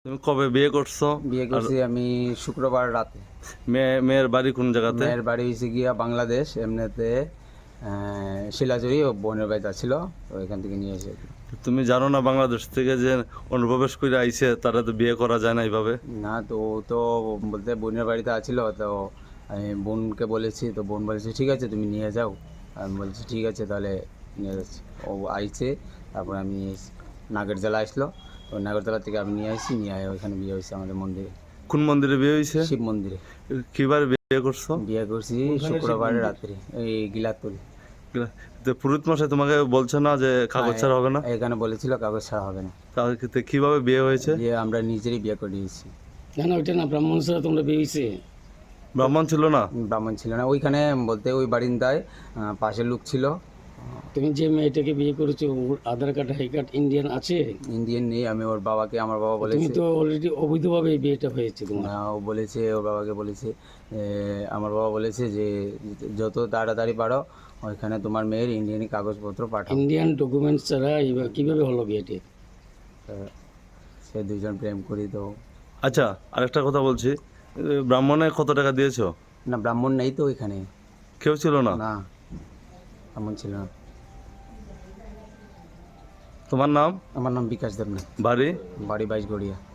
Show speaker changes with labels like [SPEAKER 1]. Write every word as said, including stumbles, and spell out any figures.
[SPEAKER 1] তুমি কবে বিয়ে করছো?
[SPEAKER 2] বিয়ে করছি আমি শুক্রবার রাতে।
[SPEAKER 1] মেয়ে মেয়ের বাড়ি কোন জায়গাতে?
[SPEAKER 2] মেয়ের বাড়ি হয়েছে গিয়া বাংলাদেশ, এমনিতে শিলাচুরি ও বোনের বাড়িতে ছিল, তো এখান থেকে নিয়ে এসে।
[SPEAKER 1] তুমি জানো না বাংলাদেশ থেকে যে অনুপ্রবেশ করে আইছে তারা তো বিয়ে করা যায় না এইভাবে?
[SPEAKER 2] না, তো ও তো বলতে বোনের বাড়িতে আছিল, তো আমি বোনকে বলেছি, তো বোন বলেছে ঠিক আছে তুমি নিয়ে যাও। আমি বলছি ঠিক আছে তাহলে নিয়ে যাচ্ছি। ও আইছে, তারপর আমি নাগরজলা আসলো, তো নাগরজলা থেকে আমি নিয়ে আসি, নিয়ে আয় ওইখানে বিয়ে হয়েছে আমাদের মন্দিরে।
[SPEAKER 1] কোন মন্দিরে বিয়ে হয়েছে?
[SPEAKER 2] শিব মন্দিরে
[SPEAKER 1] কিবার বিয়ে করছো?
[SPEAKER 2] বিয়ে করছি শুক্রবার রাত্রে, এই গিলাতুল।
[SPEAKER 1] তো পুরোহিত মশাই তোমাকে বলছে না যে কাগজ ছাড়া হবে না?
[SPEAKER 2] এখানে বলেছিল কাগজ ছাড়া হবে না।
[SPEAKER 1] তাহলে কি- তো কিভাবে বিয়ে হয়েছে?
[SPEAKER 2] বিয়ে আমরা নিজেরই বিয়ে করে দিয়েছি।
[SPEAKER 3] কেন ওইটা না ব্রাহ্মণ ছাড়া তোমরা বিয়ে হয়েছে?
[SPEAKER 1] ব্রাহ্মণ ছিল না?
[SPEAKER 2] ব্রাহ্মণ ছিল না ওইখানে, বলতে ওই বারিন্দায় আহ, পাশে লোক ছিল।
[SPEAKER 3] তুমি যে মেয়েটাকে বিয়ে করেছো ওর আধার কার্ড হাই কার্ড ইন্ডিয়ান আছে?
[SPEAKER 2] ইন্ডিয়ান নেই। আমি ওর বাবাকে, আমার বাবা
[SPEAKER 3] তুমি
[SPEAKER 2] বলেছে,
[SPEAKER 3] তো অলরেডি অবৈধভাবে এই বিয়েটা হয়েছে তোমার।
[SPEAKER 2] না, ও বলেছে, ওর বাবাকে বলেছে, এ, আমার বাবা বলেছে যে যত তাড়াতাড়ি পারো ওইখানে তোমার মেয়ের ইন্ডিয়ানি কাগজপত্র পাঠাও।
[SPEAKER 3] ইন্ডিয়ান ডকুমেন্টস ছাড়া এইভাবে- কিভাবে হলো বিয়েটি?
[SPEAKER 2] তো সে দুজন প্রেম করি তো।
[SPEAKER 1] আচ্ছা, আরেকটা কথা বলছি, এ, ব্রাহ্মণে কত টাকা দিয়েছো?
[SPEAKER 2] না, ব্রাহ্মণ নেই তো ওইখানে।
[SPEAKER 1] কেউ ছিল না?
[SPEAKER 2] না, ব্রাহ্মণ ছিল না।
[SPEAKER 1] তোমার নাম?
[SPEAKER 2] আমার নাম বিকাশ দেবনাথ,
[SPEAKER 1] বাড়ি?
[SPEAKER 2] বাড়ি বাইশ গড়িয়া।